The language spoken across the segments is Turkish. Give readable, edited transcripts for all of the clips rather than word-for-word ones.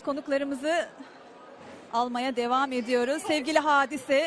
konuklarımızı almaya devam ediyoruz. Sevgili Hadise.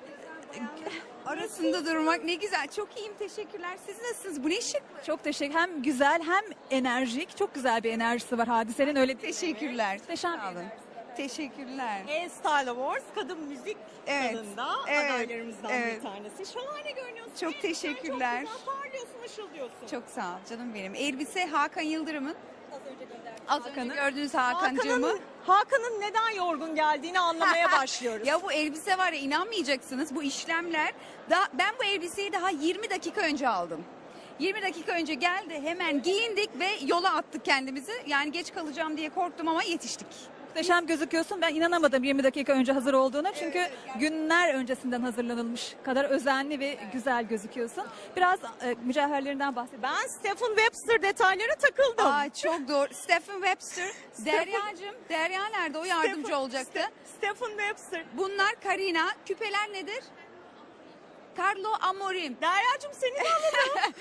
Arasında durmak ne güzel. Çok iyiyim, teşekkürler. Siz nasılsınız? Bu ne şık. Çok teşekkür. Hem güzel hem enerjik. Çok güzel bir enerjisi var Hadise'nin, öyle değil mi? Teşekkürler. Muhteşem bir Sağ olun. enerjisi. Teşekkürler. Style Awards kadın müzik Evet, dalında evet, adaylarımızdan evet. bir tanesi. Şahane görünüyorsun. Çok teşekkürler. Çok güzel parlıyorsun, ışıldıyorsun. Çok sağ ol canım benim. Elbise Hakan Yıldırım'ın. Az önce Hakan'ın. gördüğünüz Hakan'cığımı. Hakan'ın neden yorgun geldiğini anlamaya başlıyoruz. Ya bu elbise var ya, inanmayacaksınız, bu işlemler. Ben bu elbiseyi daha 20 dakika önce aldım. 20 dakika önce geldi, hemen giyindik ve yola attık kendimizi. Yani geç kalacağım diye korktum ama yetiştik. Muhteşem gözüküyorsun. Ben inanamadım 20 dakika önce hazır olduğuna. Çünkü günler öncesinden hazırlanılmış kadar özenli ve güzel gözüküyorsun. Biraz mücevherlerinden bahsedelim. Ben Stephen Webster detaylara takıldım. Aa, çok doğru. Stephen Webster. Derya'cığım. Derya nerede? O yardımcı olacaktı. Stephen Webster. Bunlar Karina. Küpeler nedir? Carlo Amorim. Derya'cığım seni de alalım.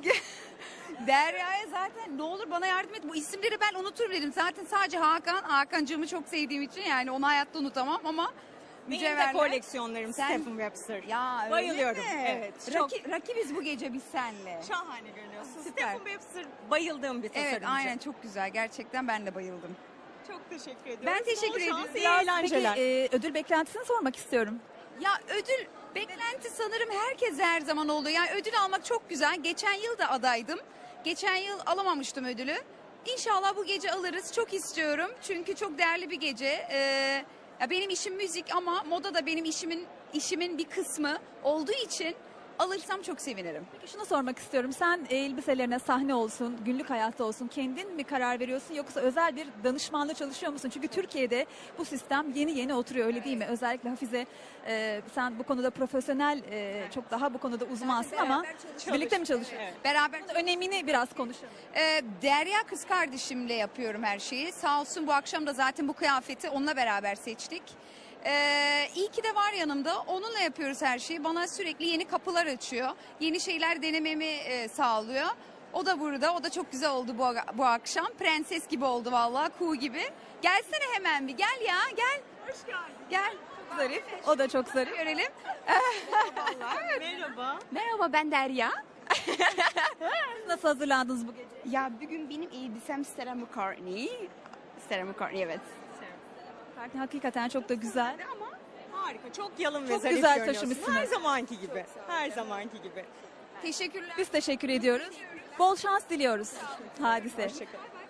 Derya'ya zaten ne olur bana yardım et. Bu isimleri ben unuturum dedim. Zaten sadece Hakan'cığımı çok sevdiğim için yani onu hayatta unutamam ama Benim de mücevherler. koleksiyonlarım Sen- Stephen Webster. Ya öyle Bayılıyorum. mi? Evet, çok- Rakibiz bu gece biz senle. Şahane görünüyorsun. Süper. Stephen Webster bayıldığım bir tasarımcı. Evet, aynen, çok güzel. Gerçekten ben de bayıldım. Çok teşekkür ediyorum. Ben teşekkür Bol şans, ediyorum. iyi Peki eğlenceler. ödül beklentisini sormak istiyorum. Ya ödül beklenti sanırım herkes her zaman oluyor. Yani ödül almak çok güzel. Geçen yıl da adaydım. Geçen yıl alamamıştım ödülü. İnşallah bu gece alırız. Çok istiyorum. Çünkü çok değerli bir gece. Ya benim işim müzik ama moda da benim işimin bir kısmı olduğu için alırsam çok sevinirim. Peki şunu sormak istiyorum. Sen elbiselerine sahne olsun, günlük hayatta olsun kendin mi karar veriyorsun yoksa özel bir danışmanla çalışıyor musun? Çünkü Türkiye'de bu sistem yeni oturuyor, öyle değil mi? Özellikle Hafize, sen bu konuda profesyonel, çok daha bu konuda uzmansın ama birlikte mi çalışıyorsunuz? Evet. Beraber Bunun önemini biraz konuşalım. Derya kız kardeşimle yapıyorum her şeyi. Sağ olsun bu akşam da zaten bu kıyafeti onunla beraber seçtik. İyi ki de var yanımda. Onunla yapıyoruz her şeyi. Bana sürekli yeni kapılar açıyor. Yeni şeyler denememi sağlıyor. O da burada. O da çok güzel oldu bu akşam. Prenses gibi oldu vallahi. Kuğu gibi. Gelsene hemen bir. Gel ya, gel. Hoş geldin. Gel. Zarif. O da çok zarif. Görelim. Merhaba. Merhaba, ben Derya. Nasıl hazırlandınız bu gece? Ya bugün benim elbisem Sarah McCartney. Sarah McCartney, evet. Hakikaten çok da güzel. Ama harika. Çok yalın ve Çok zarif güzel görünüyorsun. taşımışsınız. Her zamanki gibi. Her zamanki gibi. Teşekkürler. Biz teşekkür ediyoruz. Bol şans diliyoruz Hadise. Hoşçakalın.